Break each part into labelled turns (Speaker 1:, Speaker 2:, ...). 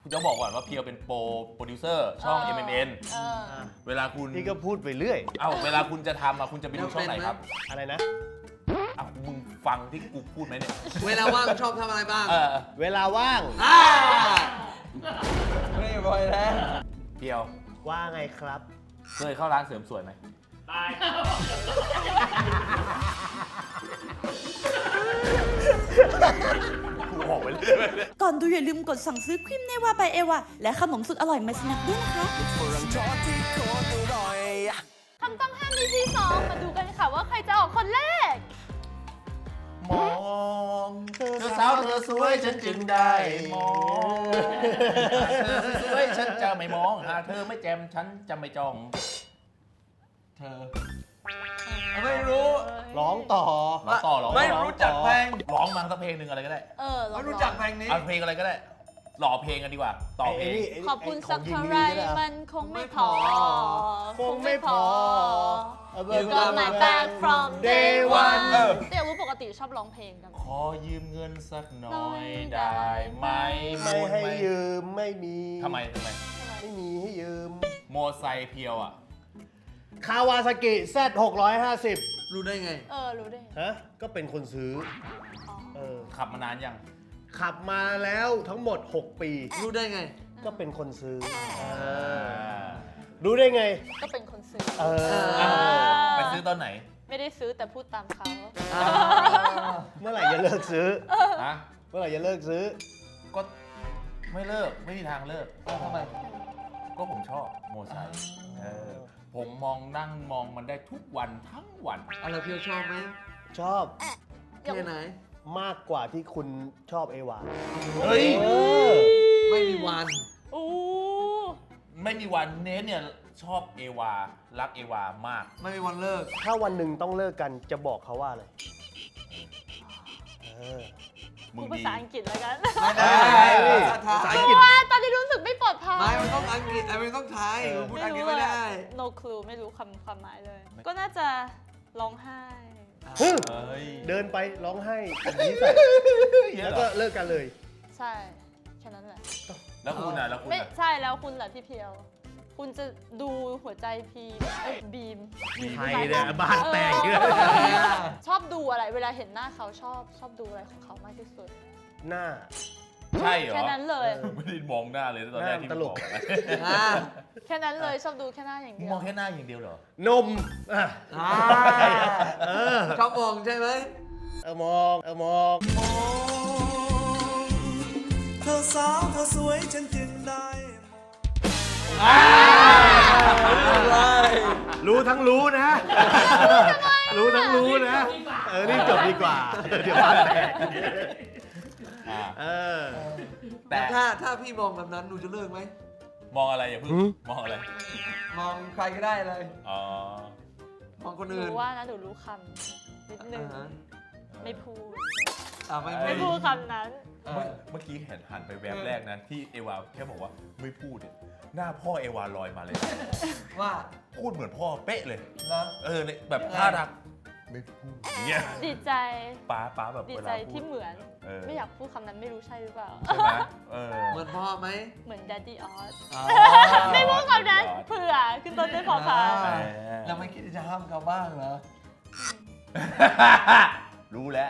Speaker 1: จะบอกก่อนว่าเพียวเป็นโปรดิวเซอร์ช่อง MMN เวลาคุณ
Speaker 2: นี่ก็พูดไปเรื่อย
Speaker 1: เวลาคุณจะทำคุณจะไปดูช่องไหนครับ
Speaker 2: อะไรนะ
Speaker 1: มึงฟังที่กูพูดไหมเนี่ย
Speaker 3: เวลาว่างชอบทำอะไรบ้าง
Speaker 2: เวลาว่าง
Speaker 3: ไม่บ่อยแล้ว
Speaker 1: เพียว
Speaker 2: ว่าไงครับ
Speaker 1: เคยเข้าร้านเสริมสวยไหม
Speaker 4: ตาย
Speaker 1: กูบอกไปเรื่อย
Speaker 5: ก่อนดูอย่าลืมกดสั่งซื้อครีมเนวาบายเอวาและขนมสุดอร่อยมาสนักด้วยนะคะ
Speaker 6: คำต้องห้าม EP 2 มาดูกันค่ะว่าใครจะออกคนแรก
Speaker 1: มองเธอสาวเธอสวยฉันจึงได้มองเธอสวยฉันจะไม่มองหากเธอไม่แจมฉันจะไม่จ้อง
Speaker 3: เธอ ไม่รู้
Speaker 2: ร้องต่อ
Speaker 1: ร้องต่อร้อง
Speaker 3: ไม่รู้จักเพลง
Speaker 1: ร้องมาสักเพลงหนึ่งอะไรก็ได้
Speaker 6: ลอง
Speaker 3: ไม่รู้จักเพลงนี้
Speaker 1: เอาเพลงอะไรก็ได้หล่อเพลงกันดีกว่าต่อเพลง
Speaker 6: ขอบคุณสักเท่าไรมันคงไม่พอ
Speaker 2: คงไม่พอ
Speaker 6: You got my back from day one แต่อยากรู้ปกติชอบร้องเพลงกัน
Speaker 1: ขอยืมเงินสักหน่อยได้ไหม
Speaker 2: ไม่ให้ยืมไม่มี
Speaker 1: ทำไม
Speaker 2: ไม่มีให้ยืม
Speaker 1: โมไซค์เพียวอ่ะ
Speaker 2: คาวาซากิ Z650
Speaker 3: รู้ได้ไง
Speaker 6: รู้ได้ไง
Speaker 2: ฮะ ก็เป็นคนซื้อ
Speaker 1: ขับมานานยัง
Speaker 2: ขับมาแล้วทั้งหมด 6 ปี
Speaker 3: รู้ได้ไง
Speaker 2: ก็เป็นคนซื้อ รู้ได้ไง
Speaker 6: ก็เป็นคนซื้อ
Speaker 1: ไปซื้อตอนไหน
Speaker 6: ไม่ได้ซื้อแต่พูดตามเขา
Speaker 2: เมื่อไหร่จะเลิกซื้อ
Speaker 1: ฮะ
Speaker 2: เมื่อไหร่จะเลิกซื้อ
Speaker 1: ก็ไม่เลิกไม่มีทางเลิก
Speaker 3: ทำไม
Speaker 1: ก็ผมชอบโมไซค์ผมนั่งมองมันได้ทุกวันทั้งวัน
Speaker 3: อะไรเพียวชอบไหม
Speaker 2: ชอบ
Speaker 3: แค่ไหน
Speaker 2: มากกว่าที่คุณชอบเอวา
Speaker 1: เฮ้ย
Speaker 3: ไม่มีวัน
Speaker 6: อู้
Speaker 1: ไม่มีวันเนสเนี่ยชอบเอวารักเอวามาก
Speaker 3: ไม่มีวันเลิก
Speaker 2: ถ้าวันหนึ่งต้องเลิกกันจะบอกเขาว่าอะไร
Speaker 1: มึง
Speaker 6: ภา
Speaker 1: ดี
Speaker 6: ษาอังกฤษแล้วกัน
Speaker 3: ไม่ได้
Speaker 2: ภาษา
Speaker 3: ภาษา
Speaker 2: อั
Speaker 3: อั
Speaker 2: ง
Speaker 3: ง
Speaker 2: ก
Speaker 3: ก
Speaker 2: ฤ
Speaker 3: ฤ
Speaker 2: ษ
Speaker 3: ษ
Speaker 6: ว่าตอนนี้รู้สึกไม่ปลอดภัย
Speaker 3: ไม่มันต้องอังกฤษมันต้องไทยพูดอังกฤษไม่ได้
Speaker 6: no clue ไม่รู้ความหมายเลย ก็น่าจะร้องไห้
Speaker 1: เฮ้ย
Speaker 2: เดินไปร้องไห้แบบนี้ใส่แล้วก็เลิกกันเลย
Speaker 6: ใช่ แค่นั้นแหละ
Speaker 1: แล้วคุณอ่ะ
Speaker 6: ไม่ใช่แล้วคุณล่ะพี่เพียว คุณจะดูหัวใจพีบีม
Speaker 2: ไทยเนี่ยบ้านแตกเยอะ
Speaker 6: ชอบดูอะไร เวลาเห็นหน้าเขาชอบดูอะไรของเขามากที่สุด
Speaker 2: หน้า
Speaker 1: ใช่เหรอ
Speaker 6: แค่นั้นเลย
Speaker 1: ไม่ได้มองหน้าเลยตอนแรกที่
Speaker 2: หน้าตลก
Speaker 1: มึงบอก
Speaker 6: แค่นั้นเลยชอบดูแค่หน้าอย่างเดียว
Speaker 1: มองแค่หน้าอย่างเดียวเหรอ
Speaker 2: นมอ่ะ
Speaker 3: ชอบมองใช่ไหม
Speaker 2: มองมอง
Speaker 7: เธอสาวเธอสวยฉันจึงได้
Speaker 2: รู้ทั้งรู้นะ รู้ทั้งรู้นะ รีบจบดีกว่า เดี๋ยวบ้านแตก
Speaker 1: แต่
Speaker 3: ถ้าพี่มองแบบนั้นหนูจะเลิกไหม
Speaker 1: มองอะไรอย่าเพิ่งมองอะไร
Speaker 3: มองใครก็ได้เลย
Speaker 1: อ๋อ
Speaker 3: มองคน
Speaker 6: หนู
Speaker 3: อื่น
Speaker 6: ว่านะหนูรู้คำนิดนึง ไม่พูด
Speaker 3: ไม่
Speaker 6: ไม่
Speaker 3: พู
Speaker 6: พู
Speaker 3: ด
Speaker 6: ดคำนั้น
Speaker 1: เมื่อกี้หันไปแวบแรกนะที่เอวาแค่บอกว่าไม่พูดเนี่ยหน้าพ่อเอวาลอยมาเลย
Speaker 3: ว่า
Speaker 1: พูดเหมือนพ่อเป๊ะเลย
Speaker 3: แล้ว
Speaker 1: เนี่ยแบบท่าทางไม่พูดอย่างเงี้ย
Speaker 6: ดีใจ
Speaker 1: ป้าแบบ
Speaker 6: ดี
Speaker 1: เว
Speaker 6: ใจ
Speaker 1: ลาพู
Speaker 6: ที่
Speaker 1: ด
Speaker 6: เหมือน
Speaker 1: เออ
Speaker 6: ไม่อยากพูดคำนั้นไม่รู้ใช่หรือเปล่า
Speaker 1: ใช่ไหมเออ
Speaker 3: เหมือนพ่อไหม
Speaker 6: เหมือน Daddy Oz
Speaker 3: อ๋อ
Speaker 6: ไม่พูดคำนั้นเผื่อขึ้นต้นด้วยพอพาน
Speaker 3: แล้วไม่คิดจะห้ามเขาบ้างเหรอ
Speaker 1: รู้แล้ว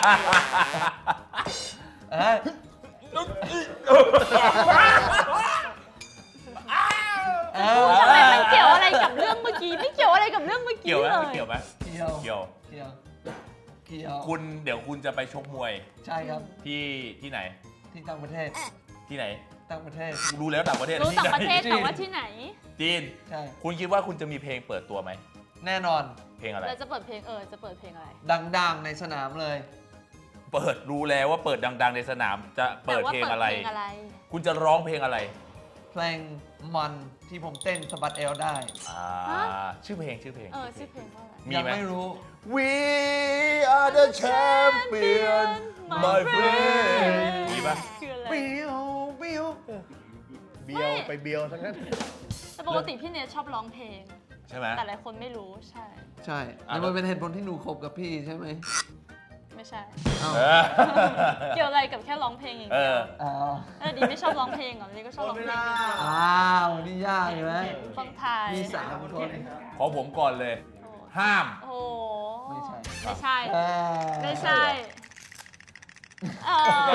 Speaker 6: ทำไมมันเกี่ยวอะไรกับเรื่องเมื่อกี้ ไม่เกี่ยวอะไรกับเรื่องเมื่อกี้
Speaker 1: เกี่ยวไหม
Speaker 6: เลย
Speaker 1: ไม่เกี่ยวไหม
Speaker 3: เกี่ยว
Speaker 1: เกี่ยว
Speaker 3: เกี่ยวเกี่ยว
Speaker 1: คุณเดี๋ยวคุณจะไปชกมวย
Speaker 3: ใช่ครับ
Speaker 1: ที่ไหน
Speaker 3: ที่ต่างประเทศ
Speaker 1: ที่ไหน
Speaker 3: ต่างประเทศ
Speaker 1: รู้แล้วต่างประเทศ
Speaker 6: รู้ต่างประเทศ
Speaker 1: ที่
Speaker 6: แต่
Speaker 1: ไหน
Speaker 6: ว่าที่ไหน
Speaker 1: จีน
Speaker 3: ใช่
Speaker 1: คุณคิดว่าคุณจะมีเพลงเปิดตัวไหม
Speaker 3: แน่นอน
Speaker 1: เพลงอะไร
Speaker 6: เราจะเปิดเพลงจะเปิดเพลงอะไร
Speaker 3: ดังๆในสนามเลย
Speaker 1: เปิดรู้แล้วว่าเปิดดัง ๆ ในสนามจะเปิดเพลงอะไร
Speaker 6: แต่ว่าเปิดเพลงอะไร
Speaker 1: คุณจะร้องเพลงอะไร
Speaker 3: เพลงมันที่ผมเต้นสะบัดเอวได้
Speaker 1: ชื่อเพลง
Speaker 6: ชื่อเพลงว่าอะไร
Speaker 1: มี
Speaker 3: ยัง
Speaker 1: ไหม
Speaker 3: ไม่รู้
Speaker 1: We are the champion my friend มีปะ
Speaker 6: คืออะไร
Speaker 2: เบียวเบียวเบียวไปเบียวทั้งนั้น
Speaker 6: แต่ปกติพี่เนทชอบร้องเพลง
Speaker 1: ใช่ไหม
Speaker 6: แต่หลายคนไม่รู้ใช่
Speaker 3: ใช่
Speaker 1: อ่ะ
Speaker 3: แล้วมันเป็นเหตุผลที่หนูคบกับพี่ใช่ไหม
Speaker 6: ไม่ใช่
Speaker 1: เออ
Speaker 6: เกี่ยวอะไรกับแค่ร้องเพลงอย่างเดียว
Speaker 3: อ้าว
Speaker 6: ดีไม่ชอบร้องเพลงเหรอดีก็ชอบร้องเพลงจริง
Speaker 3: อ้าวนี่ยากเลย
Speaker 6: ๆฟังไทย
Speaker 3: มี3 คน
Speaker 1: ขอผมก่อนเลย ห้าม
Speaker 6: โอ้โห
Speaker 3: ไม่ใช่
Speaker 6: ไม่ใช่
Speaker 3: เออ
Speaker 6: ไม่ใช่เออ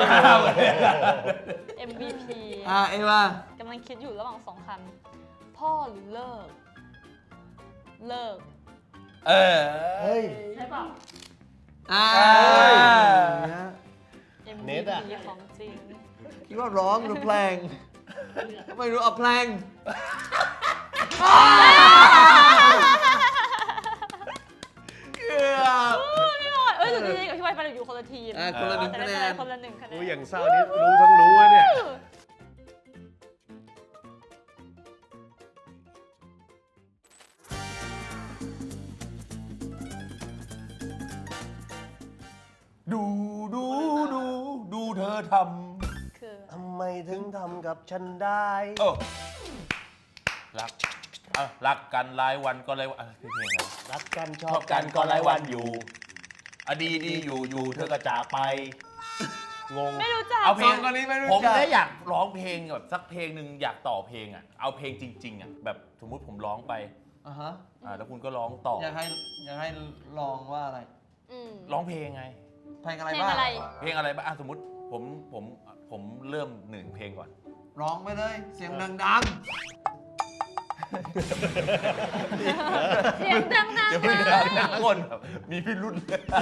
Speaker 6: MVP
Speaker 3: เอว่าก
Speaker 6: ำลังคิดอยู่ระหว่าง2 คำพ่อหรือเลิก เลิก
Speaker 1: เออ
Speaker 2: เฮ้ย
Speaker 6: ใช่เปล่า
Speaker 2: เน็ตอะ
Speaker 6: MVP ของจริง
Speaker 3: คิดว่าร้องหรือเพลงไม่รู้เอาเพลงเกือบ
Speaker 6: เอ้ยแต่จริงๆกับพี่ไวไปอยู่คนละทีม
Speaker 3: คนละ1 คะแนน
Speaker 6: คนละ1 คะแน
Speaker 2: รู้
Speaker 6: น
Speaker 2: อย่างเศร้านี่รู้ทั้งรู้อะเนี่ย
Speaker 1: ดูเธอท
Speaker 6: คือ
Speaker 2: ทำไมถึงทำกับฉันได้
Speaker 1: ำโอ้รักกันหลายวันก็เลยว่าเพลงอะไร
Speaker 2: รักกันช
Speaker 1: ช
Speaker 2: อ
Speaker 1: อ
Speaker 2: บบ กั
Speaker 1: กัน น
Speaker 2: ก็
Speaker 1: ก็
Speaker 2: ห
Speaker 1: ห
Speaker 2: ลา
Speaker 1: ลาย ย
Speaker 2: วั
Speaker 1: วัน น
Speaker 2: อ
Speaker 1: อยู่ ยู่ดีอยู่เธอก็จากไป
Speaker 2: งง
Speaker 6: ไม่รู้จัก
Speaker 1: เอาเพลง
Speaker 3: คนนี้ไม่รู้
Speaker 1: ผม
Speaker 3: จัก
Speaker 1: ได้อยากร้องเพลงแบบสักเพลงหนึ่งอยากต่อเพลงอ่ะเอาเพลงจริงๆอ่ะแบบสมมุติผมร้องไป
Speaker 3: ฮะ
Speaker 1: แล้วคุณก็ร้องต่อ
Speaker 3: อยากให้ลองว่าอะไร
Speaker 6: อืม
Speaker 1: ร้องเพลงไง
Speaker 3: เพลงอะไร
Speaker 6: เพลง
Speaker 3: บ้าง
Speaker 6: อะไร
Speaker 1: เพลงอะไรบ้างสมมติผมเริ่ม1 เพลงก่อน
Speaker 3: ร้องไปเลยเสียงดัง
Speaker 6: เสียงดังๆ
Speaker 1: เดี๋ยวไม่ได้นะคนแบบมีพิรุษ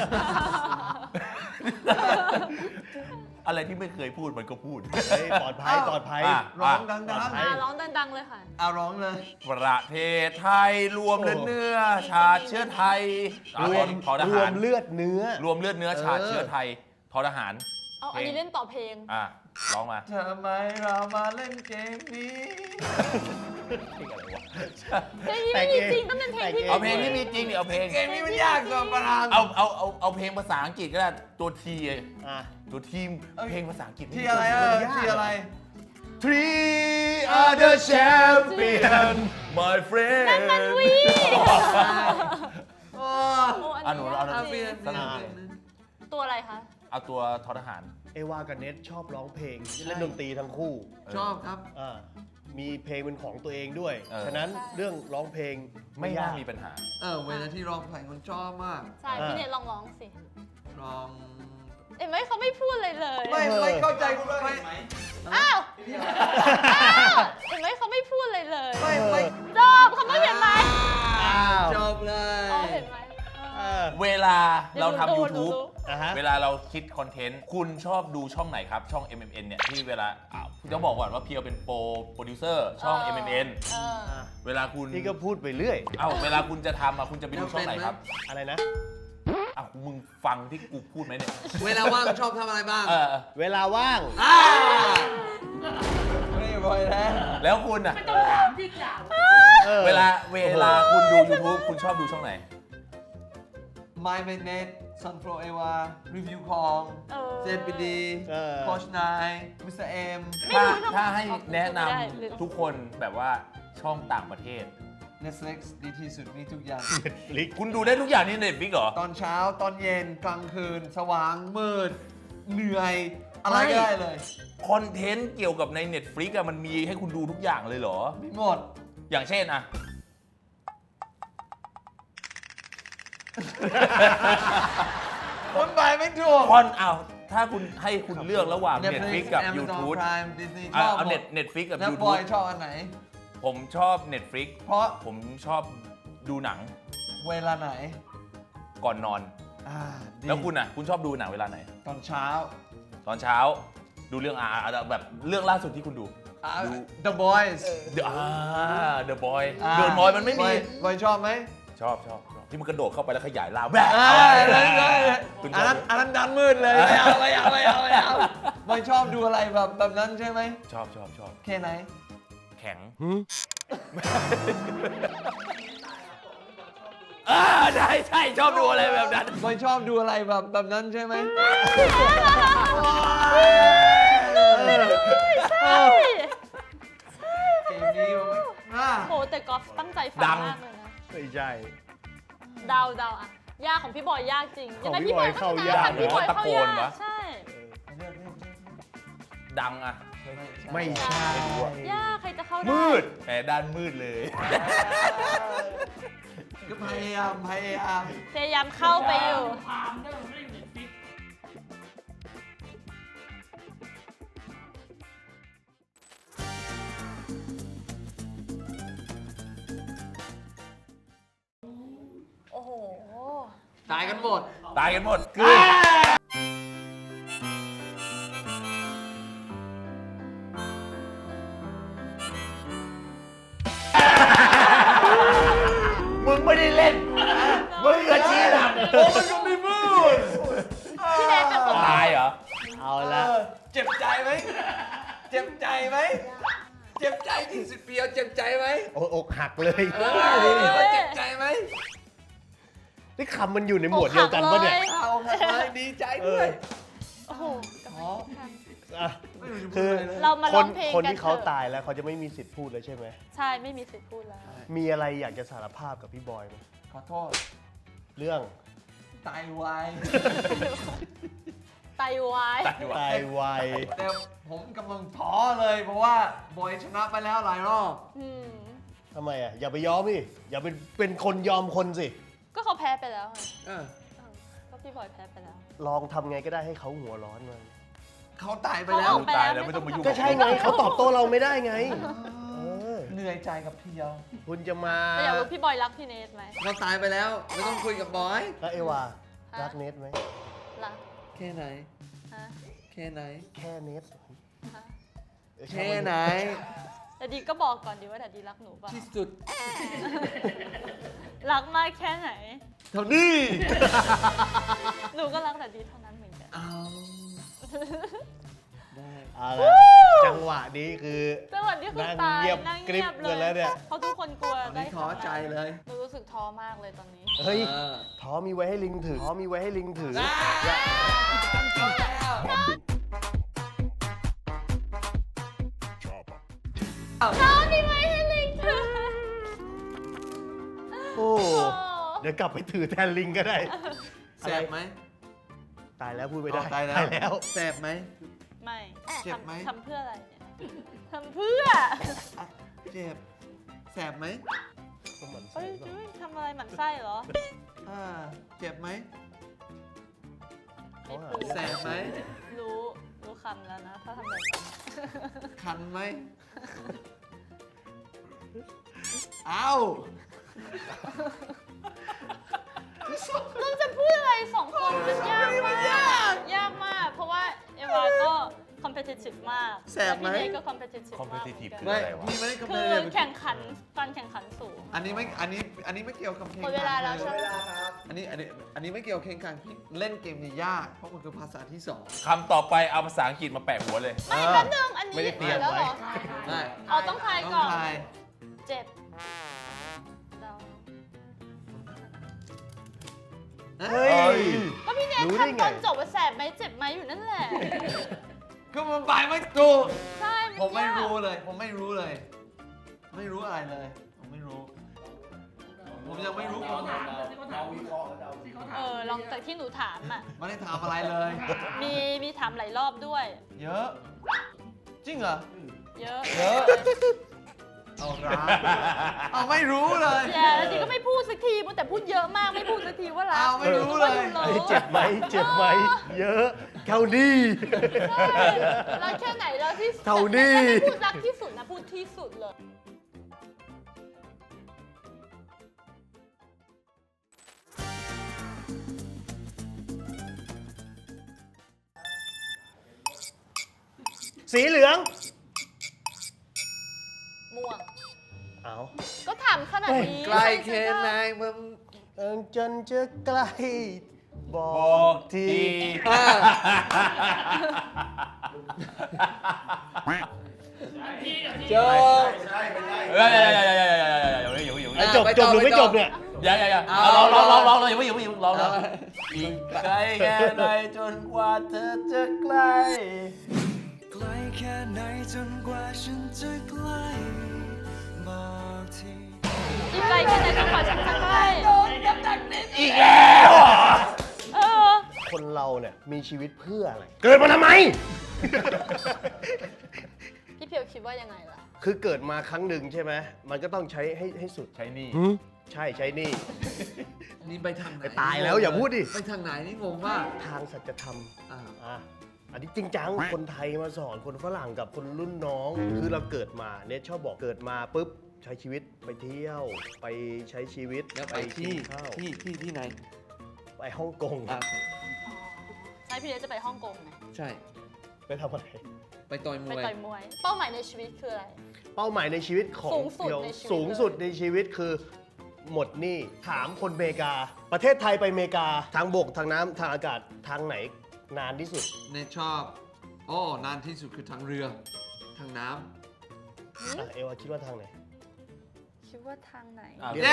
Speaker 1: อะไรที่ไม่เคยพูดมันก็พูด
Speaker 2: เฮ้ยปลอดภัยปลอดภัย
Speaker 3: ๆร้องดัง
Speaker 2: ปลอดภัย
Speaker 6: ร้องดังๆเลยค่ะ
Speaker 3: เอาร้องเลย
Speaker 1: ประเทศไทยรวมเลือดเนื้อชาติเชื้อไทย
Speaker 2: รวม
Speaker 1: ทอท
Speaker 2: รว
Speaker 1: หาร
Speaker 2: มเลือดเนื้อ
Speaker 1: รวมเลือดเนื้อชาติเชื้อไทยทอทหาร
Speaker 6: เอาอันนี้เล่นต่อเพลง
Speaker 1: ร้องมา
Speaker 3: ทำไมเรามาเล่นเกมนี้
Speaker 6: เพลงนี้ไม่มีจริงต้องเป็นเพลงที่
Speaker 1: เอาเพลงที่มีจริงดิเอาเพลง
Speaker 3: เกมนี้มันยากกว่าประธาน
Speaker 1: เอาเพลงภาษาอังกฤษก็ได้ตัวที
Speaker 2: อ่ะ
Speaker 1: ตัวทีมเพลงภาษาอังกฤษ
Speaker 3: ที่อะไรที่อะไร
Speaker 1: Three are the champion my friend
Speaker 6: นั่นมันวี
Speaker 3: โอ้
Speaker 6: โอ้อัน
Speaker 1: หนู
Speaker 6: นี้
Speaker 1: เอา
Speaker 6: ยาก
Speaker 3: เปลี่ยน
Speaker 6: จริง
Speaker 3: เปลี่ยน
Speaker 6: ตัวอะไรคะ
Speaker 1: เอาตัวทอทหาร
Speaker 2: เอวากับเน็ตชอบร้องเพลงเล่นดนตรีทั้งคู่
Speaker 3: ชอบครับ
Speaker 2: อ่ามีเพลงเป็นของตัวเองด้วย
Speaker 1: เออ
Speaker 2: ฉะนั้นเรื่องร้องเพลง
Speaker 1: ไม่
Speaker 2: ไม่
Speaker 1: น่าย
Speaker 2: าก
Speaker 1: มีปัญหา
Speaker 3: เวลาที่ร้องเพลงคนชอบมาก
Speaker 6: ใช่พี่เนทลองร้องสิ
Speaker 3: ร้อง
Speaker 6: เห็นไหมเขาไม่พูดเลยเลย
Speaker 3: ไม่เข้าใจไม่
Speaker 6: อ้าวเห็นไหมเขาไม่พูดเลยเลย
Speaker 3: ไม่
Speaker 6: จอบเขาไม่เห็นไหม
Speaker 2: อ้าว
Speaker 3: จบเลย
Speaker 6: อ๋อเห็นไหม
Speaker 1: เวลาเราทำ
Speaker 6: ดู
Speaker 1: YouTube
Speaker 2: อ่ะฮะ
Speaker 1: เวลาเราคิดคอนเทนต์ คุณชอบดูช่องไหนครับ ช่อง MMN เนี่ยที่เวลาต้องบอกก่อนว่าเพียวเป็นโปรดิวเซอร์ช่อง MMN
Speaker 6: เออ
Speaker 1: เวลาคุณ
Speaker 2: นี่ก็พูดไปเรื่อย
Speaker 1: เวลาคุณจะทำคุณจะไปดูช่องไหนครับ
Speaker 2: อะไรนะ
Speaker 1: มึงฟังที่กูพูดไหมเนี่ย
Speaker 3: เวลาว่างชอบทำอะไรบ้าง
Speaker 2: เวลาว่าง
Speaker 3: ไม่บ่อยแล้ว
Speaker 1: แล้วคุณอ่ะ
Speaker 2: เออ
Speaker 1: เวลาคุณดู YouTube คุณชอบดูช่องไหน
Speaker 3: My m a n e t Sunflow Eva Review ของ
Speaker 6: เออ
Speaker 3: ZBD
Speaker 2: เออ
Speaker 3: โคชนาย Mr. M
Speaker 1: ถ้าให้แนะน
Speaker 6: ไม่ได้หรือ
Speaker 1: ำทุกคนแบบว่าช่องต่างประเทศ
Speaker 3: Netflix ดีที่สุดมีทุกอย่าง
Speaker 2: ลิก
Speaker 1: คุณดูได้ทุกอย่างนี่ในฟิกเหรอ
Speaker 3: ตอนเช้าตอนเย็นกลางคืน สว่างมืด เหนื่อย อะไรก็ได้เลย
Speaker 1: คอนเทนต์เกี่ยวกับใน Netflix มันมีให้คุณดูทุกอย่างเลยเหรอ
Speaker 3: มีหมด
Speaker 1: อย่างเช่น
Speaker 3: คนไปไม่ถูก
Speaker 1: ถ้าคุณให้คุณเลือกระหว่าง Netflix กับ
Speaker 3: Amazon
Speaker 1: YouTube
Speaker 3: Prime Disney ชอบ
Speaker 1: เอา
Speaker 3: หมด
Speaker 1: Netflix กับ
Speaker 3: แล้วบ
Speaker 1: YouTube
Speaker 3: อยชอบอันไหน
Speaker 1: ผมชอบ Netflix
Speaker 3: เพราะ
Speaker 1: ผมชอบดูหนัง
Speaker 3: เวลาไหน
Speaker 1: ก่อนนอน
Speaker 3: ดี
Speaker 1: แล้วคุณคุณชอบดูหนังเวลาไหน
Speaker 3: ตอนเช้า
Speaker 1: ตอนเช้าดูเรื่องแบบเรื่องล่าสุดที่คุณดู ดู
Speaker 3: The Boys
Speaker 1: The Boy The Boy มันไม่มี
Speaker 3: บอยชอบไหม
Speaker 1: ชอบที่มันกระโดดเข้าไปแล้วขยายล่าแบะ คุณช
Speaker 3: อั
Speaker 1: อน บ
Speaker 3: นั้นดันมืดเลย ไม่เอาบอยชอบดูอะไรแบบนั้นใช่ไหม
Speaker 1: ชอบ
Speaker 3: แค่ไหน
Speaker 1: แข็งใช่ชอบดูอะไรแบบนั้น
Speaker 3: บอยชอบดูอะไรแบบนั้นใช่ไหม
Speaker 6: ใช่
Speaker 3: เกมนี้มัน
Speaker 6: โหแต่กอล์ฟตั้งใจฟังมากเลยนะ
Speaker 2: ไม่ใช่
Speaker 6: เดาอ่ะยากของพี่บอยยากจริง
Speaker 2: ของ
Speaker 6: ยังไง
Speaker 2: พี่
Speaker 6: พี่บอย
Speaker 2: บอย
Speaker 6: ก็
Speaker 2: เข้า
Speaker 6: ชนะ
Speaker 2: ยาก
Speaker 6: แต่พี่บอยเข้ายาก
Speaker 1: ตะโกนวะ
Speaker 6: ใช่
Speaker 1: ดังอ่ะ
Speaker 2: ไม่ใช่
Speaker 6: ยากใครจะเข้าได้
Speaker 1: มืดแหมด้านมืดเลย
Speaker 3: ก็พยายาม
Speaker 6: พยายามเข้าไปอยู่ โอ้โห
Speaker 3: ตายกันหมด
Speaker 1: ตายกันหมดมึงไม่ได้เล่น มึงก็ชี้นำโอ้มันก็ไม่พูด
Speaker 6: พี่เนทเป็นคน
Speaker 1: ตายเหรอ
Speaker 2: เอาละ
Speaker 3: เจ็บใจไหม เจ็บใจไหม เจ็บใจที่สุดเปียวเจ็บใจไหม
Speaker 2: โอ้อกหักเลย
Speaker 3: เจ็บใจไหม
Speaker 2: นี่คำมันอยู่ในหมวดเดียวกันปะเนี่ย
Speaker 3: เอาทำไมดีใจด้วย
Speaker 6: โอ้โห
Speaker 2: อ่ะคือ
Speaker 6: เรามา
Speaker 2: ค
Speaker 6: ร้อน งเพลง
Speaker 2: คน
Speaker 6: กัน
Speaker 2: ที่เขา
Speaker 6: เถอะ
Speaker 2: ตายแล้วเขาจะไม่มีสิทธิ์พูดเลยใช่ไหม
Speaker 6: ใช่ ไม่มีสิทธิ์พูดแล้ว
Speaker 2: มีอะไรอยากจะสารภาพกับพี่บอยไหม
Speaker 3: ขอโทษ
Speaker 2: เรื่อง
Speaker 3: ไตวาย
Speaker 6: ไตวาย
Speaker 2: ตายไว
Speaker 3: แต่ผมกำลังท้อเลยเพราะว่าบอยชนะไปแล้วหลายรอบ
Speaker 6: อืม
Speaker 2: ทำไมอ่ะอย่าไปยอมดิอย่าเป็นคนยอมคนสิ
Speaker 6: ก็เขาแพ้ไปแล้วไง
Speaker 3: เออ
Speaker 6: ก็พี่บอยแพ้ไปแล้ว
Speaker 2: ลองทำไงก็ได้ให้เขาหัวร้อนมา
Speaker 3: เขาตายไป
Speaker 6: เขา
Speaker 3: แล้
Speaker 6: อ
Speaker 3: ว
Speaker 6: อกไปแล้ว
Speaker 1: ตายแล้วไม่ต้องมายุ่ง
Speaker 2: ก็ใช่ไงเขาตอบโต้เราไม่ได้ไงเออ
Speaker 3: เหนื่อยใจกับเพียว
Speaker 2: คุณจะมา
Speaker 6: แต่อยากรู้พี่บอยรักพี่เนทไหม
Speaker 3: เขาตายไปแล้ว ไม่ต้องคุยกับบอย
Speaker 2: แล้วเอวารักเนทไหม
Speaker 6: รัก
Speaker 3: แค่ไหน
Speaker 6: ฮะ
Speaker 3: แค่ไหน
Speaker 2: แค่เนท
Speaker 6: ฮะ
Speaker 3: แค่ไหน
Speaker 6: แต่ดีก็บอกก่อนดีว่าแต่ดีรักหนูเปล่า
Speaker 3: ที่สุด
Speaker 6: รักมากแค่ไหน
Speaker 3: เท่านี้
Speaker 6: หนูก็รักแต่ดีเท่านั้นเหมือนกัน
Speaker 3: เอาได้
Speaker 2: เอาละจังหวะนี้คือ
Speaker 6: จังหวะนี้คือ
Speaker 2: นั่ง
Speaker 6: ตาย
Speaker 2: เงียบ
Speaker 6: นั่ง
Speaker 2: กริบ
Speaker 6: เงียบเล
Speaker 2: กันแล้วเนี่ย
Speaker 6: ยเพราะทุกคนกลัว
Speaker 3: ตอน
Speaker 6: ได้
Speaker 3: นี้ท้อใจเลย
Speaker 6: หนูรู้สึกท้อมากเลยตอนนี้
Speaker 2: เฮ้ย
Speaker 3: เออ
Speaker 2: ท้อมีไว้ให้ลิงถือท้อมีไว้ให้ลิงถือ
Speaker 6: ท้อมีไหมให้ลิงถือ
Speaker 2: โอ้เดี๋ยวกลับไปถือแทนลิงก็ได้
Speaker 3: แสบไหม
Speaker 2: ตายแล้วพูดไม่ได้
Speaker 3: อ๋อตายแล้ว แสบไหม
Speaker 6: ไม่
Speaker 3: เจ็บไหม
Speaker 6: ทำเพื่ออะไรเนี่ยทำเพื่อ
Speaker 3: อ่ะเจ็บ แสบไหม
Speaker 2: ก็หมั่นไส้
Speaker 6: เอ้ย
Speaker 2: ก่อน
Speaker 6: จุ้ยทำอะไรหมั่นไส้เหรอ
Speaker 3: อ่าเจ็บไหม
Speaker 2: เขาหา
Speaker 3: แสบไหม
Speaker 6: รู้คำแล้วนะ ถ้าทำแบบนี้
Speaker 3: คันไหม เอ้า
Speaker 6: เราจะพูดอะไรสองคนมันยากมาก ยากมาก เพราะว่าเอวาก็ competitive มาก
Speaker 3: แสบไหม
Speaker 6: ล้วพี่เนทก็ competitive มากเหมือน
Speaker 1: competitive
Speaker 6: กัน
Speaker 3: ไม่
Speaker 1: อะไรวะ
Speaker 3: พี่ไม่ได้กำ
Speaker 6: คื
Speaker 3: เนิ
Speaker 6: อ
Speaker 3: ด
Speaker 6: แข่งขันการแข่งขันสูง
Speaker 3: อันนี้ไม่เกี่ยวกับเพลง
Speaker 6: หมดเวลาแล้วใช่ไหม
Speaker 3: อันนี้ไม่เกี่ยวกับเพลงขันพี่เล่นเกมนี้ยาก เพราะมันคือภาษาที่สอง
Speaker 1: คำต่อไปเอาภาษาอังกฤษมาแปะหัวเลย
Speaker 6: ไม่แป๊บนึงอันนี้
Speaker 2: ไม่ได้เตรียม
Speaker 6: แล้วเหร
Speaker 2: ไว้
Speaker 6: อ
Speaker 3: ได้
Speaker 6: เอาต้องทาย
Speaker 3: ต้อง
Speaker 6: ก่อน
Speaker 3: ทาย
Speaker 6: เจ็บเรา
Speaker 2: เฮ้ย
Speaker 6: ก็พี่เนท
Speaker 2: รู้ได้
Speaker 6: ทำ
Speaker 2: ไง
Speaker 6: ตอนจบว่าแสบไหมเจ็บไหมอยู่นั่นแหละ
Speaker 3: ก็มันไปไม่ถูก
Speaker 6: ใช่
Speaker 3: ผมไม่
Speaker 6: ยาก
Speaker 3: รู้เลย ผมไม่รู้เลย ไม่รู้อะไรเลย ผมไม่รู้ ผมยังไม่รู้ผม
Speaker 6: ลองจากที่หนูถามอ่ะ
Speaker 3: ไม่ได้ทำอะไรเลย
Speaker 6: มีถามหลายรอบด้วย
Speaker 3: เยอะ จริงเหรอ
Speaker 6: เยอะ
Speaker 3: เยอะ เอาร้านเอาไม่รู้เลย
Speaker 6: อย่าแล้วดีก็ไม่พูดสักทีแต่พูดเยอะมากไม่พูดสักทีว่ารัก
Speaker 3: เอาไม่รู้เลย
Speaker 6: ก็
Speaker 2: เฮ้ย
Speaker 6: รู้
Speaker 2: เจ็บไหมเจ็บไหมเยอะเท่านี้
Speaker 6: ใช่รักแค่ไหนรักที่สุด
Speaker 2: เท่านี้
Speaker 6: แต่ไม่พูดรักที่สุดนะพูดที่สุดเลย
Speaker 2: สีเหลือง
Speaker 6: ม่วง
Speaker 2: เอา
Speaker 6: ก็ถามขนาดนี้
Speaker 3: ใกล้แค่ไหนมึง
Speaker 2: จนจะใกล้บอ
Speaker 1: บอก
Speaker 2: ที
Speaker 1: ที
Speaker 3: โจ
Speaker 1: เฮ้ยอย่า
Speaker 2: ไอ้จบจบหรือไม่จบเนี่ย
Speaker 1: อย่าลองอย่าเพิ่งลองอีกไกลแค่ไหนจนกว่าเธอจะใกล้
Speaker 7: ไกลแค่ไหนจนกว่าฉันจะใกล้บอกที
Speaker 6: อีกไกลแค่ไหนจนกว่าฉันจะใกล้
Speaker 1: อีกแล้ว
Speaker 4: เราเนี่ยมีชีวิตเพื่ออะไร เกิดมาทำไม
Speaker 6: พี่เพียวคิดว่ายังไงล่ะ
Speaker 4: คือเกิดมาครั้งหนึ่งใช่ไหมมันก็ต้องใช้ให้สุด
Speaker 1: ใช้หนี่
Speaker 4: ใช่ใช้หนี่
Speaker 3: นี่ไปทางไหน
Speaker 4: ไปตายแล้วอย่าพูดดิ
Speaker 3: ไปทางไหนนี่งงมาก
Speaker 4: ทางสัจธรรม
Speaker 3: อ่า
Speaker 4: อ่ะอันนี้จริงจังคนไทยมาสอนคนฝรั่งกับคนรุ่นน้อง คือเราเกิดมาเนี่ยชอบบอกเกิดมาปุ๊บใช้ชีวิตไปเที่ยว ไปใช้ชีวิต
Speaker 3: แล้วไป
Speaker 4: กิ
Speaker 3: ที่
Speaker 4: นข้าว
Speaker 3: ที่ไหน
Speaker 4: ไปฮ่องกง
Speaker 3: อ่ะ
Speaker 6: ใช่พี่เดชจะไปฮ่องกงไง
Speaker 3: ใช่
Speaker 4: ไปทำอะไร
Speaker 3: ไปต่อยม
Speaker 6: ไป
Speaker 3: วย
Speaker 6: ต่อยมวย เป้าหมายในชีวิตคืออะไร
Speaker 4: เป้าหมายในชีวิตของ
Speaker 6: สูงสุด
Speaker 4: เดียว
Speaker 6: ในชีวิต
Speaker 4: สูงสุดในชีวิตคือหมดหนี้ถามคนอเมริกา ประเทศไทยไปอเมริกาทางบกทางน้ำทางอากาศทางไหนนานที่สุด
Speaker 3: เนทชอบโอ้นานที่สุดคือทางเรือ ทางน้
Speaker 4: อ่ะเอวาคิดว่าทางไหน
Speaker 6: คิดว่าทางไหน
Speaker 1: อ้าว
Speaker 3: ำ
Speaker 1: เดี๋ยว
Speaker 3: เย้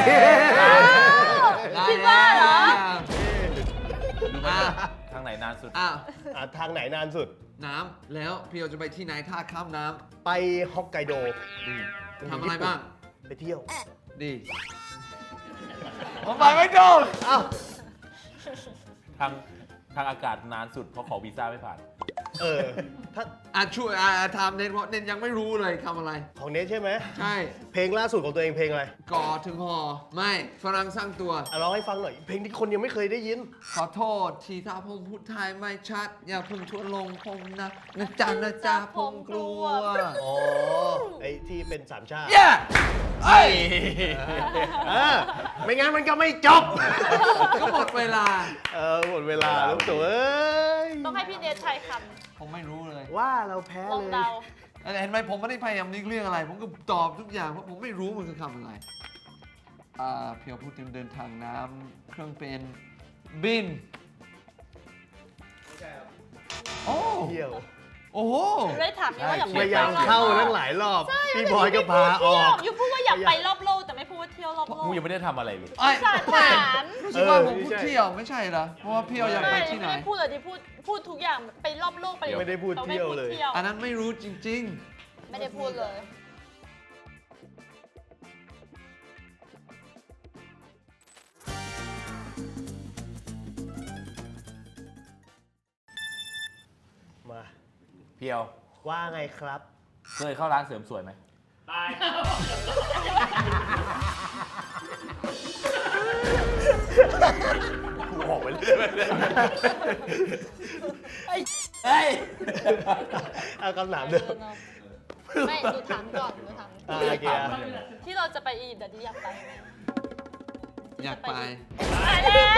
Speaker 6: คิดว่าเหรอ
Speaker 3: อ่ะ
Speaker 1: ทางไหนนานสุด
Speaker 3: อ่ะ
Speaker 4: อ่ะทางไหนนานสุด
Speaker 3: น้ำแล้วพี่เราจะไปที่ไหนถ้าข้ามน้
Speaker 4: ไปฮอกไกโด
Speaker 3: ำทำอะไรบ้าง
Speaker 4: ไปเที่ยว
Speaker 3: ดีผมไปไม่โดน
Speaker 4: อ้าว
Speaker 1: ทางอากาศนานสุดเพราะขอวีซ่าไม่ผ่าน
Speaker 4: เออถ้า
Speaker 3: ช่วยทำเน้นเพราะเน้นยังไม่รู้เลยทำอะไร
Speaker 4: ของเนทใช่ไหม
Speaker 3: ใช่
Speaker 4: เพลงล่าสุดของตัวเองเพลงอะไร
Speaker 3: ก่อถึงหอไม่ฝรั่งสร้างตัว
Speaker 4: อ่ะร้องให้ฟังหน่อย เพลงที่คนยังไม่เคยได้ยิน
Speaker 3: ขอโทษที่ถ้าผมพูดไทยไม่ชัด อย่าเพิ่งชวนลงผมนะนะจ๊ะผมกลัว
Speaker 4: อ๋อ ไอ้ที่เป็นสามชาติ
Speaker 3: เย้เอ้ย
Speaker 4: เออไม่งั้นมันก็ไม่จบ
Speaker 3: ก็หมดเวลา
Speaker 4: หมดเวลาลูกตัวเอ้ย
Speaker 6: ต้องให้พี่เดชใช้ค
Speaker 3: ผมไม่รู้เลย
Speaker 4: ว่าเราแพ้
Speaker 6: ำลอง
Speaker 4: เลย
Speaker 6: เดา
Speaker 3: เห็นไหมผมไม่ได้พยายามนึกเรื่องอะไร ผมก็ตอบทุกอย่างเพราะผมไม่รู้มันคือคำอะไรเพียวพูดถึงเดินทางน้ำเครื่องเป็นบินโอ้
Speaker 4: เที่ยว
Speaker 3: โอ้โห
Speaker 6: เลยถามนี่ว่าอยาก
Speaker 4: พ
Speaker 6: ไป
Speaker 4: ยายามเข้าตั้งหลายรอบ พี่บอยก็พาออก
Speaker 6: อยู่พูดว่าอยากไปรอบโลกแต่ไม่พูดว่าเที่ยวรอบโลก
Speaker 1: กูยังไม่ได้ทำอะไรเลย
Speaker 3: ไอ้
Speaker 6: สาร
Speaker 3: ไม่
Speaker 6: ถาม
Speaker 3: รู้สึกว่าผมพูด
Speaker 4: ใช่
Speaker 3: เที่ยวไม่ใช่เหรอ เพราะว่าเพียวอยากไปที่ไหน
Speaker 6: ไม่ได้พูดเลยที่พูดทุกอย่างไปรอบโลกไป
Speaker 4: ไม่ได้พูดเที่ยวเลย
Speaker 3: อันนั้นไม่รู้จริง
Speaker 6: ไม่ได้พูดเลย
Speaker 4: มา
Speaker 1: เพียว
Speaker 4: ว่าไงครับ
Speaker 1: เคยเข้าร้านเสริมสวยไหมกูออกไปเรื่อยๆเฮ้ย
Speaker 4: เอาคำถามเดิม
Speaker 6: ไม่ดูถามก่อนดูถาม
Speaker 4: โอเค
Speaker 6: ที่เราจะไปอียิปต์เดี๋ยวนี้อยากไปไหม
Speaker 3: ๆ อยากไป
Speaker 6: ไปแล้ว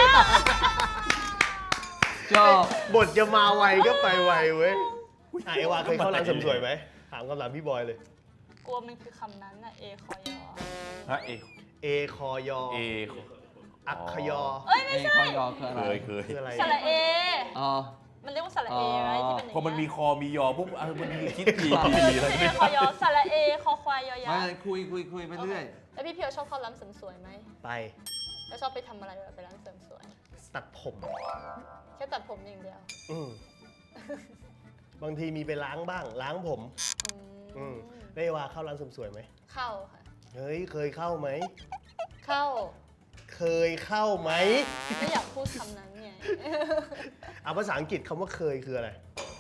Speaker 3: ชอบ
Speaker 4: บทจะมาไวก็ไปไวเว้ยอ่ะเอวาเคยเข้าร้านเสริมสวยไหม ถามคำถามพี่บอยเลย
Speaker 6: กลัวมันคือคำนั้นน่ะเอคอยอ
Speaker 1: ฮะเอ
Speaker 4: เอคอยอ
Speaker 1: เอ
Speaker 4: อักขยอ
Speaker 6: เอ้ยไม่
Speaker 3: เอ้ย
Speaker 6: ใช่
Speaker 3: คอยอคืออะไร
Speaker 1: เคย
Speaker 4: คืออะไร
Speaker 6: สระเอ
Speaker 3: อ๋อ
Speaker 6: มันเรียกว่าสระเอไหมที่เป็นอย่าง
Speaker 1: พอมันมี
Speaker 6: เงี้ย
Speaker 1: คอมียอปุ๊บมันมีคิดที
Speaker 6: เอ
Speaker 1: แล้ว
Speaker 6: คอยอสระเอคอควายยอยัก
Speaker 3: ไม่
Speaker 6: ษ์
Speaker 3: คุยไปเรื่อย
Speaker 6: แล้วพี่เพียวชอบเข้าร้านเสริมสวยไหม
Speaker 4: ไป
Speaker 6: แล้วชอบไปทำอะไรแบบไปร้านเสริมสวย
Speaker 4: ตัดผม
Speaker 6: แค่ตัดผมอย่างเดียว
Speaker 4: อืมบางทีมีไปล้างบ้าง ล้างผม
Speaker 6: อืม
Speaker 4: ได้วาเข้าร้านเสริมสวยไหม
Speaker 6: เข้าค่ะ
Speaker 4: เฮ้ย เคยเข้าไหม
Speaker 6: เข้า
Speaker 4: เคยเข้าไหม
Speaker 6: ไม่อยากพูดคำนั้นไง
Speaker 4: เอาภาษาอังกฤษคำว่าเคยคืออะไร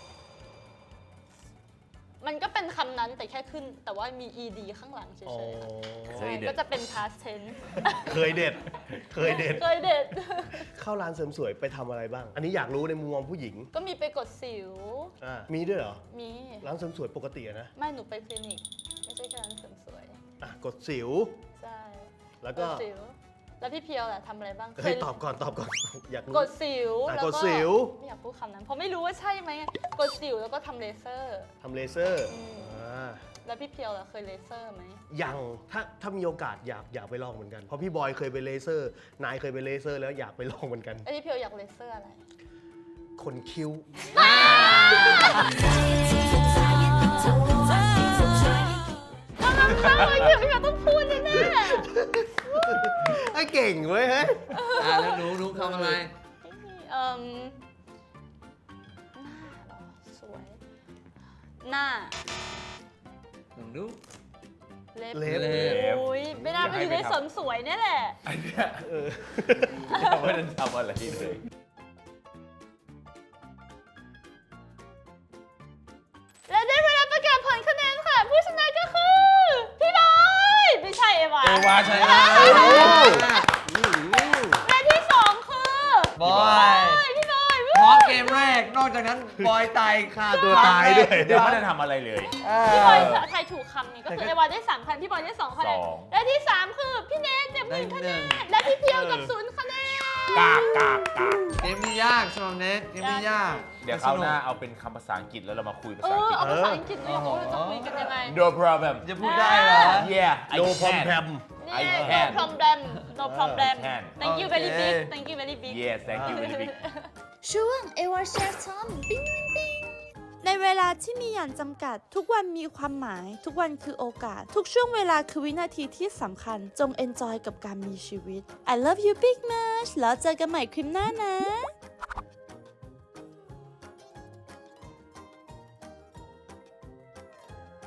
Speaker 6: มันก็เป็นคำนั้นแต่แค่ขึ้น แต่ว่ามี ed ข้างหลังเฉ
Speaker 4: อ๋อ
Speaker 6: ยๆอะ
Speaker 1: เค
Speaker 6: ใช่
Speaker 1: ยเด็ด
Speaker 6: ก็จะเป็น past tense
Speaker 4: เคยเด็ด เคยเด็ด
Speaker 6: เคยเด็ด
Speaker 4: เข้าร้านเสริมสวยไปทำอะไรบ้าง อันนี้อยากรู้ในมุมมองผู้หญิง
Speaker 6: ก็มีไปกดสิว
Speaker 4: มีด้วยเหรอ
Speaker 6: มี
Speaker 4: ร้านเสริมสวยปกติอะนะ
Speaker 6: ไม่หนูไปคลินิก ไม่ใช่แค่ร้านเสริมสวย
Speaker 4: กดสิว
Speaker 6: ใช่
Speaker 4: แล้ว
Speaker 6: ก
Speaker 4: ก็
Speaker 6: ดสิว แล้วพี่เพียวล่ะทำอะไรบ้าง
Speaker 4: เฮ้ยตอบก่อน อยากรู้
Speaker 6: กดสิว แล้ว
Speaker 4: ก
Speaker 6: ก็
Speaker 4: ดสิว
Speaker 6: ไม่อยากพูดคำนั้น เพราะไม่รู้ว่าใช่ไหมกดสิวแล้วก็ทำเลเซอร์
Speaker 4: ทำเลเซอร์
Speaker 6: อืม
Speaker 4: อ่า
Speaker 6: แล้วพี่เพียวล่ะเคยเลเซอร์ไหม
Speaker 4: ยังถ้ามีโอกาสอยากไปลองเหมือนกัน เพราะพี่บอยเคยไปเลเซอร์ นายเคยไปเลเซอร์แล้วอยากไปลองเหมือนกัน
Speaker 6: แล้วพี่เพียวอยากเลเซอร์อะไร
Speaker 4: คนคิ้ว
Speaker 6: กำลังเข้าเลยพี่เพียวต้องพูดแน่
Speaker 4: ไอ้เก่งเว้ยเฮ้ย
Speaker 3: แล้วหนูทำอะไร
Speaker 6: ๆหน้าเหรอสวย หน้า
Speaker 3: ลองดู
Speaker 6: เล็บ
Speaker 4: เล็บ
Speaker 6: โอ้ยไม่น่าไปอยู่ในเสริมสวยเนี่ยแหละ
Speaker 1: อันเนี้ย
Speaker 4: เออ
Speaker 1: ไม่ได้ทำอะไรเลยวาชนะ
Speaker 6: และที่สองคือบ
Speaker 3: อย
Speaker 6: พี่บอย
Speaker 3: พร้อมเกมแรก นอกจากนั้นบอยตาย
Speaker 2: ฆ่าตัวตายด้วย
Speaker 1: เดี๋ยวไม่ได้ทำอะไรเลย
Speaker 6: พี่บอยทายถูกคำนี้ก็คือเอวาได้3 คะแนนพี่บอยได้2 คะแนน
Speaker 1: สอง
Speaker 6: และที่ 3 คือพี่เนทเจ็บ1 คะแนนและพี่เพียวกับ0 คะแนน
Speaker 1: กากกากกาก
Speaker 3: เกมนี้ยากสำหรับเนทเกมนี้ยาก
Speaker 1: เดี๋ยวคราวหน้าเอาเป็นคำภาษาอังกฤษแล้วเรามาคุยภาษาอังกฤษ
Speaker 6: เอาภาษาอังกฤษด้วยว่าจะคุยกันยังไง
Speaker 1: No problem
Speaker 3: จะพูดได้เหรอ
Speaker 1: Yeah I
Speaker 4: โดพอม
Speaker 1: can
Speaker 4: แพม
Speaker 1: I
Speaker 6: เนี่ย
Speaker 1: can
Speaker 6: no problem no problem
Speaker 1: can
Speaker 6: thank you very
Speaker 3: โอเค
Speaker 6: big thank you very big
Speaker 1: Yes thank you very big
Speaker 5: ช่วงเอวาแชร์ทอมปิ้งปิ้งปิ้งในเวลาที่มีอย่างจำกัด ทุกวันมีความหมาย ทุกวันคือโอกาส ทุกช่วงเวลาคือวินาทีที่สำคัญ จง enjoy กับการมีชีวิต I love you big much แล้วเจอกันใหม่คลิปหน้านะ